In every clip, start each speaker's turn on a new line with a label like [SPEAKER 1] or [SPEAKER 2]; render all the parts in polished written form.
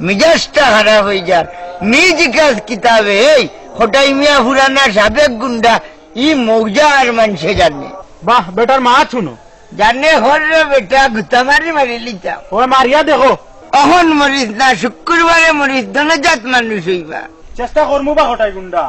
[SPEAKER 1] মিজাজটা খারাপ হয়ে যার মিউজিক্যাল কিতাবে এই হটাই মিয়া পুরানা সাবেক গুন্ডা ই মৌজা আর মানুষে জানে
[SPEAKER 2] বাহ বেটার মা শুনো
[SPEAKER 1] জানে হর বেটা গুতা মারি মারি লিতাম
[SPEAKER 2] ও মারিয়া দেখো
[SPEAKER 1] অহন মরিস না শুক্রবারে মরিস ধনজাত মানুষ হইবা
[SPEAKER 2] চেষ্টা করমু বা হটাই গুন্ডা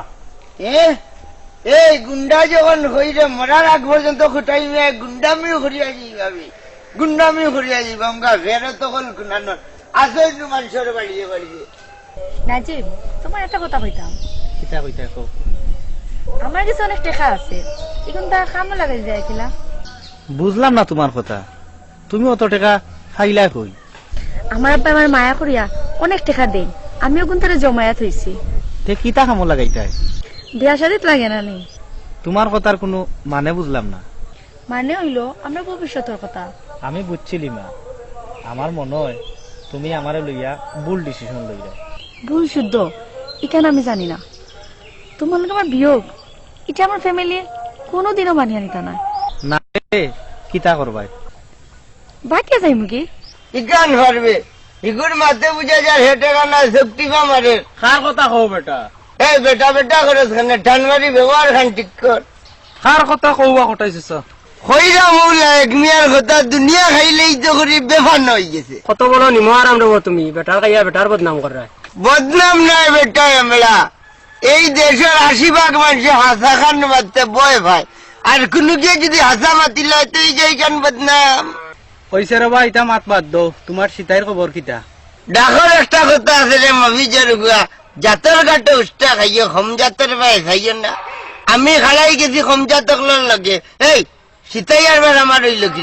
[SPEAKER 1] এই গুন্ডা যখন হইরে মরার আগ পর্যন্ত হটাই মিয়া গুন্ডামিও করিয়া যাইবাবি গুন্ডামিও করিয়া যাইবা আমরা ফেরো তখন গুনানোর আসল মানুষের বাড়িয়ে বাড়িয়ে
[SPEAKER 3] নাজিব তোমার একটা কথা কইতাম
[SPEAKER 2] কিতা কইতা কও
[SPEAKER 3] আমার কাছে অনেক টাকা আছে এখন তা কামও লাগাই যায় কিলা
[SPEAKER 2] বুঝলাম না তোমার কথা তুমি অত টাকা খাইলা কই
[SPEAKER 3] আমার আব্বা আমার মায়া করিয়া অনেক টাকা দেন আমিও কোন তারা জমায়া থইছি
[SPEAKER 2] তে কিতা কামো লাগাইতাই
[SPEAKER 3] বিয়া শাদিত লাগে না নি
[SPEAKER 2] তোমার কথার কোনো মানে বুঝলাম না
[SPEAKER 3] মানে হইলো আমরা ভবিষ্যতের কথা
[SPEAKER 2] আমি বুঝছিলি মা আমার মনে হয় তুমি আমারে লইয়া ভুল ডিসিশন লইলা
[SPEAKER 3] ভুল শুদ্ধ এখানে আমি জানি না তোমার লোক আমার বিয়োগ এটা আমার ফ্যামিলি কোনোদিনও মানিয়া নিতা না
[SPEAKER 2] না রে, কিতা করবাই
[SPEAKER 3] বাকিয়া যাই মুখি
[SPEAKER 1] ইকান পারবে ইগুর মাথে বুঝা যায় হেঁটে গানা শক্তি মারে
[SPEAKER 2] কার কথা কও বেটা
[SPEAKER 1] এই বেটা বেটা করে খানে ঠানমারি ব্যবহার খান ঠিক কর
[SPEAKER 2] কার কথা কওয়া হটাইছিস
[SPEAKER 1] হইরা মৌলা এক মিয়ার কথা দুনিয়া খাইলেই তো করি বেফান হয়ে গেছে
[SPEAKER 2] কত বড় নিমহারাম রে তুমি বেটার কাইয়া বেটার বদনাম কর রা
[SPEAKER 1] বদনাম নাই বেটা এমলা এই দেশের 80% মানুষ হাসা খান মারতে বয় ভাই আর কোনো কে যদি হাসা মাতিল তো এই যে এইখান বদনাম
[SPEAKER 2] কইছে রে ভাই ইটা মাত বাদ দো তোমার সীতাইর খবর কিতা
[SPEAKER 1] ডাকর একটা কথা আছে রে মফিজের গুয়া জাতর ঘাটে উষ্টা খাইও খম জাতর ভাই খাইও না আমি খালাই গেছি খম জাতক লাগে এই সীতাই আর আমার হইল কি